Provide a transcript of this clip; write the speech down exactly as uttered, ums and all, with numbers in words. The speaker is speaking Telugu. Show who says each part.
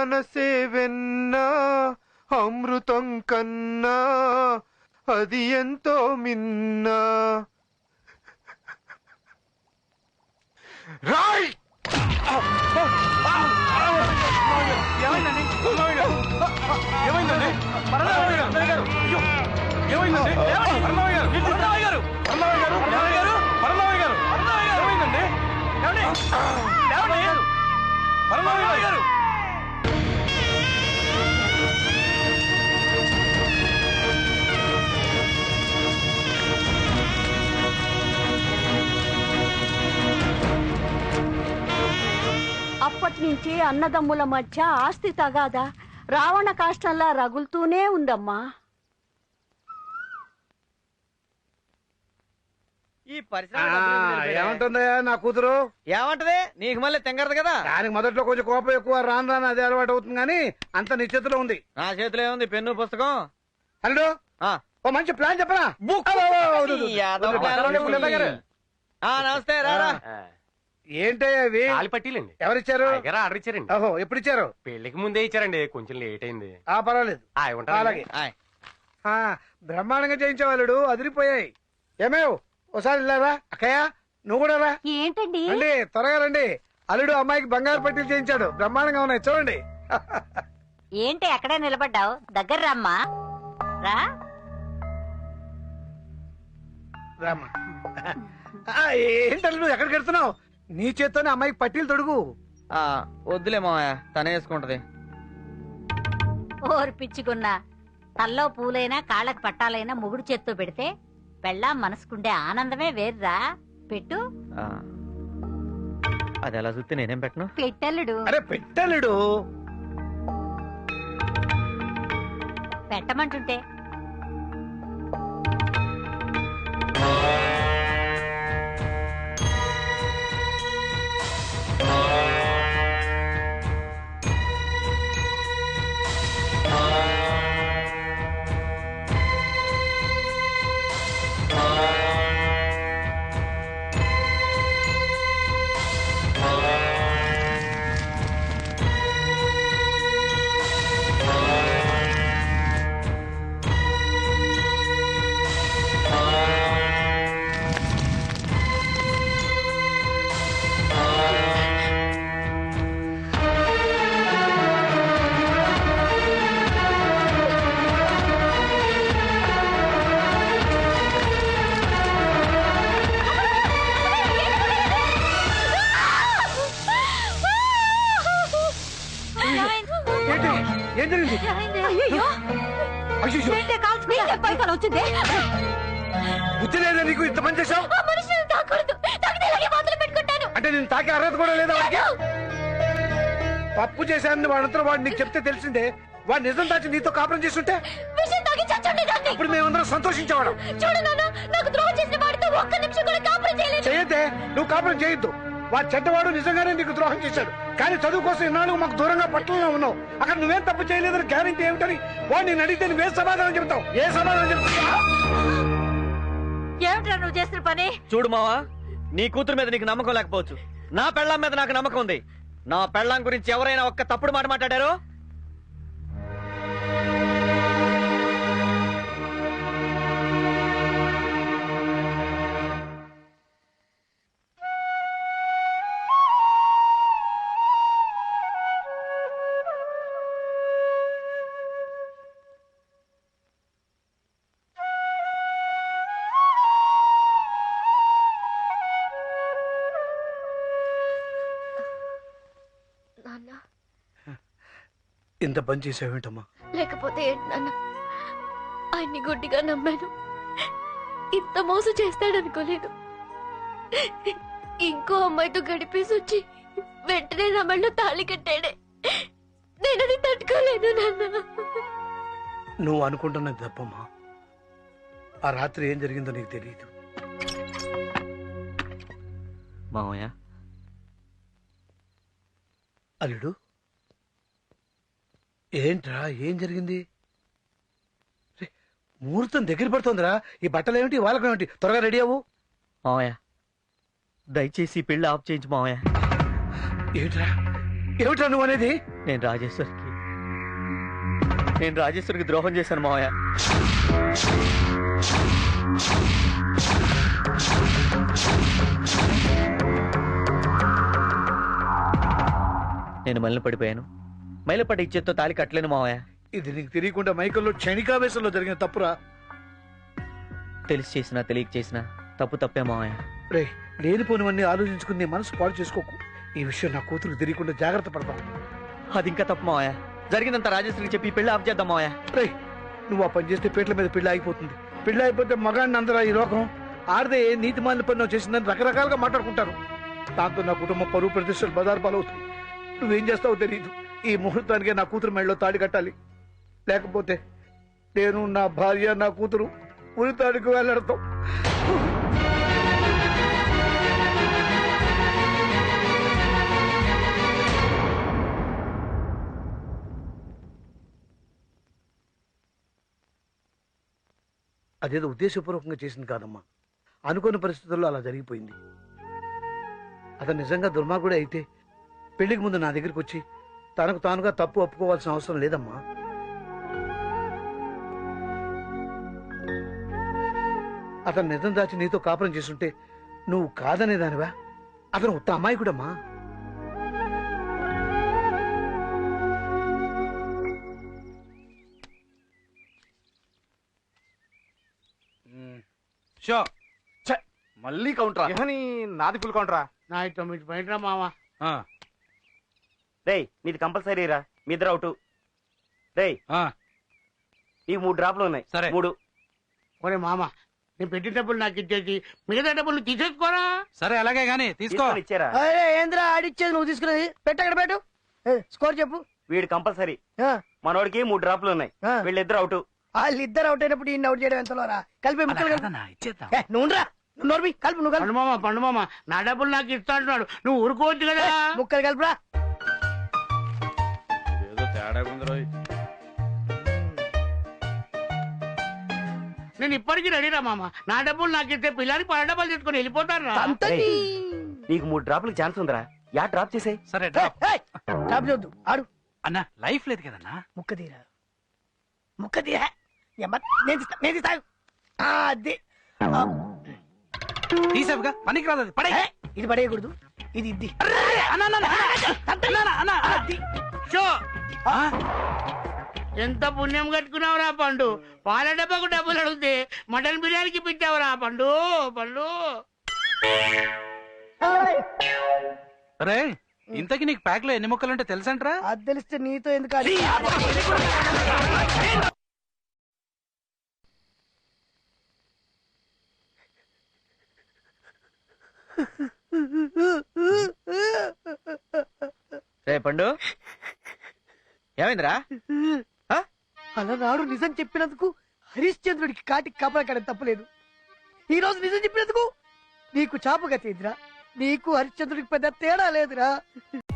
Speaker 1: మనసే వెన్నా అమృతం కన్నా అది ఎంతో మిన్నా రాయ్
Speaker 2: ఏమైందండి ఏమైందండి పరమావయ్య గారు అయ్యో ఏమైందండి పరమావయ్య గారు పరమావయ్య గారు పరమావయ్య గారు పరమావయ్య గారు పరమావయ్య గారు పరమావయ్య గారు ఏమైందండి ఏమండి ఏమండి పరమావయ్య గారు
Speaker 3: అప్పటి నుంచి అన్నదమ్ముల మధ్య ఆస్తి తగాదా రావణ కాష్టంలా రగులుతూనే ఉందమ్మా.
Speaker 4: ఈ పరిశ్రమ
Speaker 2: ఏమంటుందయ్యా నా కూతురు?
Speaker 4: ఏమంటది? నీకు మళ్ళీ తెంగరదు కదా.
Speaker 2: దానికి మొదట్లో కొంచెం కోపం ఎక్కువ, రాను రాను అదే అలవాటు అవుతుంది. కానీ అంత నీ చేతిలో ఉంది.
Speaker 4: నా చేతిలో ఏముంది? పెన్ను పుస్తకం.
Speaker 2: అల్లుడు ఓ మంచి ప్లాన్ చెప్పరా?
Speaker 4: నమస్తే రారా.
Speaker 2: ఏంటయ్యా అవి?
Speaker 5: పట్టీలండి.
Speaker 2: ఎవరిచ్చారు?
Speaker 5: ఆర్డర్ ఇచ్చారండి.
Speaker 2: ఓహో ఎప్పుడు ఇచ్చారు?
Speaker 5: పెళ్లికి ముందే ఇచ్చారండి, కొంచెం లేట్ అయింది.
Speaker 2: ఆ పర్వాలేదు. అలాగే బ్రహ్మాండంగా చేయించేవాళ్ళుడు, అదిరిపోయాయి. ఏమేవ్ ఒకసారి వెళ్ళారా? అక్కయ్య నువ్వు కూడా రా.
Speaker 3: ఏంటండి?
Speaker 2: రండి త్వరగా రండి. అల్లుడు అమ్మాయికి బంగారు పట్టీలు చేయించాడు, బ్రహ్మాండంగా ఉన్నాయి చూడండి.
Speaker 3: ఏంటి ఎక్కడే నిలబడ్డావు? దగ్గర రమ్మా. రా
Speaker 2: రామ్మా. ఏంటి అల్లుడు ఎక్కడికి వెళ్తున్నావు? నీ చేత్తోనే అమ్మాయికి పట్టీలు తొడుగు.
Speaker 4: వద్దులే మావయ్య, తనే వేసుకుంటది.
Speaker 3: ఓరు పిచ్చుకున్నా, తల్లో పూలైనా కాళ్ళకి పట్టాలైనా మొగుడు చేత్తో పెడితే పెళ్ళాం మనసుకుండే ఆనందమే వేర్రా. పెట్టు.
Speaker 4: అది ఎలా చూస్తే నేనేం పెట్టను?
Speaker 3: పెట్టల్లుడు.
Speaker 2: అరే పెట్టలుడు
Speaker 3: పెట్టమంటుంటే.
Speaker 2: బుద్ధి లేదా నీకు? ఇంత పని చేశావు అంటే నేను తాకే అర్హత కూడా లేదా వాడికి? తప్పు చేశానని వాడంతా వాడు నీకు చెప్తే తెలిసిందే. వాడు నిజం దాచి నీతో కాపురం చేస్తుంటే ఇప్పుడు మేమందరం సంతోషించేవాడు. చేయొద్దే, నువ్వు కాపురం చేయొద్దు. వాడు చెడ్డవాడు, నిజంగానే నీకు ద్రోహం చేశాడు. కానీ చదువు కోసం ఇన్నాళ్ళు మాకు దూరంగా పట్టణంలో ఉన్నావు. అక్కడ నువ్వేం తప్పు చేయలేదని గ్యారెంటీ ఏమిటని వాడు నేను అడిగితే నువ్వే సమాధానం చెప్తావు? ఏ సమాధానం చెప్తావు?
Speaker 3: ఏమిట్రా నువ్వు చేసిన పని?
Speaker 4: చూడు మావా, నీ కూతురు మీద నీకు నమ్మకం లేకపోవచ్చు, నా పెళ్ళాం మీద నాకు నమ్మకం ఉంది. నా పెళ్ళాం గురించి ఎవరైనా ఒక్క తప్పుడు మాట మాట్లాడారో
Speaker 2: ఇంత పని చేసావేంటమ్మా?
Speaker 6: లేకపోతే ఏంటి నాన్న, ఆయన్ని గుడ్డిగా నమ్మాను. ఇంత మోసం చేస్తాడనుకోలేదు. ఇంకో అమ్మాయితో గడిపేసి వచ్చి వెంటనే నా మెళ్ళో తాళి కట్టాడే. నేనది తట్టుకోలేదు నాన్న.
Speaker 2: నువ్వు అనుకుంటున్నది తప్పమ్మా. ఆ రాత్రి ఏం జరిగిందో నీకు తెలియదు.
Speaker 4: మావయ్య,
Speaker 2: అల్లుడు ఏంట్రా, ఏం జరిగింది? ముహూర్తం దగ్గర పడుతుందిరా. ఈ బట్టలు ఏమిటి, వాళ్ళకం ఏమిటి? త్వరగా రెడీ అవ్వు.
Speaker 4: మావయ్య దయచేసి పెళ్లి ఆఫ్ చేయించు మావయ్య.
Speaker 2: ఏమిట్రా ఏమిట్రా నువ్వు అనేది?
Speaker 4: నేను రాజేశ్వరికి నేను రాజేశ్వరికి ద్రోహం చేశాను మావయ్య. నేను మళ్ళీ పడిపోయాను. మైలపడి ఇచ్చేతో తాళి కట్టలేను మావయ్య.
Speaker 2: ఇది నీకు తెలియకుండా మైకల్లో క్షణికావేశంలో జరిగిన తప్పురా.
Speaker 4: తెలిసి చేసినా తెలియక చేసినా తప్పు తప్పే మావయ్య.
Speaker 2: రే, లేనిపోనివన్నీ ఆలోచించుకుని నీ మనసు పాడు చేసుకోకు. ఈ విషయం నా కూతురు తెలియకుండా జాగ్రత్త పడతాం.
Speaker 4: అది ఇంకా తప్పు మావయ్య. జరిగినంత రాజేశ్వరికి చెప్పి పెళ్లి ఆఫ్ చేద్దాం మావయ్య.
Speaker 2: రే, నువ్వు ఆ పని చేస్తే పీటల మీద పెళ్లి అయిపోతుంది. పెళ్లి అయిపోతే మగాడిని అందరూ ఈ లోకం ఆడదే నీతి మాలిన పని చేసిందని రకరకాలుగా మాట్లాడుకుంటారు. దాంతో నా కుటుంబం పరువు ప్రతిష్టలు బజారు పాలవుతుంది. నువ్వేం చేస్తావో తెలియదు. ఈ ముహూర్తానికే నా కూతురు మెడలో తాడి కట్టాలి. లేకపోతే నేను, నా భార్య, నా కూతురు ఉరి తాడికి వెళ్ళడతాం. అదేదో ఉద్దేశపూర్వకంగా చేసింది కాదమ్మా. అనుకోని పరిస్థితుల్లో అలా జరిగిపోయింది. అతను నిజంగా దుర్మార్గుడే అయితే పెళ్లికి ముందు నా దగ్గరికి వచ్చి తనకు తానుగా తప్పు ఒప్పుకోవాల్సిన అవసరం లేదమ్మా. అతను నిజం దాచి నీతో కాపురం చేస్తుంటే నువ్వు కాదనేదానివా? అతను ఉత్త అమాయకుడమ్మా.
Speaker 1: షో మళ్ళీ కౌంటరా? ఏమని నాది ఫుల్ కౌంటరా?
Speaker 2: నా తొమ్మిది పాయింట్రా మావా.
Speaker 7: రేయ్, నీది కంపల్సరీ రా. మీ ఇద్దరు అవుట్. రేయ్, ఈ మూడు డ్రాప్లు ఉన్నాయి.
Speaker 1: సరే.
Speaker 7: మూడు.
Speaker 2: ఒరే మామ, నేను పెట్టిన డబ్బులు నాకు ఇచ్చేసి మిగతా డబ్బులు నువ్వు తీసేసుకోరా.
Speaker 1: సరే అలాగే గానీ తీసుకో.
Speaker 7: తీసుకొని ఇచ్చారా?
Speaker 2: ఏంద్రా ఆడిచ్చేది నువ్వు తీసుకునేది? పెట్టు అక్కడ పెట్టు. స్కోర్ చెప్పు.
Speaker 7: వీడు కంపల్సరీ. మనోడికి మూడు డ్రాప్లు ఉన్నాయి. వీళ్ళిద్దరు అవుట్.
Speaker 2: వాళ్ళిద్దరు అవుట్ అయినప్పుడు ఈ అవుట్ చేయడం ఎంతలోరా? కలిపి ముక్కలు నువ్వు నోర్మి కలుపు. నువ్వు పండు మామ, పండు మామ, నా డబ్బులు నాకు ఇస్తా అంటున్నాడు. నువ్వు ఊరుకోవచ్చు కదా. ముక్కలు కలుపురా. నేను ఇప్పటికీ రెడీరా మామ. నా డబ్బులు నాకు ఇస్తే పిల్లలకి పడ డబ్బులు తీసుకుని వెళ్ళిపోతారు.
Speaker 7: నీకు మూడు డ్రాప్లకు ఛాన్స్ ఉందిరా. యా డ్రాప్ చేసాయి.
Speaker 1: సరే
Speaker 2: డ్రాప్ చేయొద్దు, ఆడు.
Speaker 1: అన్న లైఫ్ లేదు కదన్నా.
Speaker 2: ముక్క తీరా, ముక్క తీరా. నేను తీస్తా, నేను తీస్తా. అది
Speaker 1: తీసావుగా, పనికి రాదు. పడే
Speaker 2: ఇది పడేయకూడదు, ఇది ఇది. ఎంత పుణ్యం కట్టుకున్నావురా పండు. పాల డబ్బాకు డబ్బులు అడిగితే మటన్ బిర్యానీకి పెట్టావురా పండు. పండు
Speaker 1: రే, ఇంతకి నీకు ప్యాక్ లో ఎన్ని ముక్కలుంటే తెలుసంట్రా?
Speaker 2: అది తెలిస్తే నీతో ఎందుకు?
Speaker 4: రే పండు, ఏమైందిరా?
Speaker 2: అలనాడు నిజం చెప్పినందుకు హరిశ్చంద్రుడికి కాటికి కాపలా తప్పలేదు. ఈ రోజు నిజం చెప్పినందుకు నీకు చాపగా తీదిరా. నీకు హరిశ్చంద్రుడికి పెద్ద తేడా లేదురా.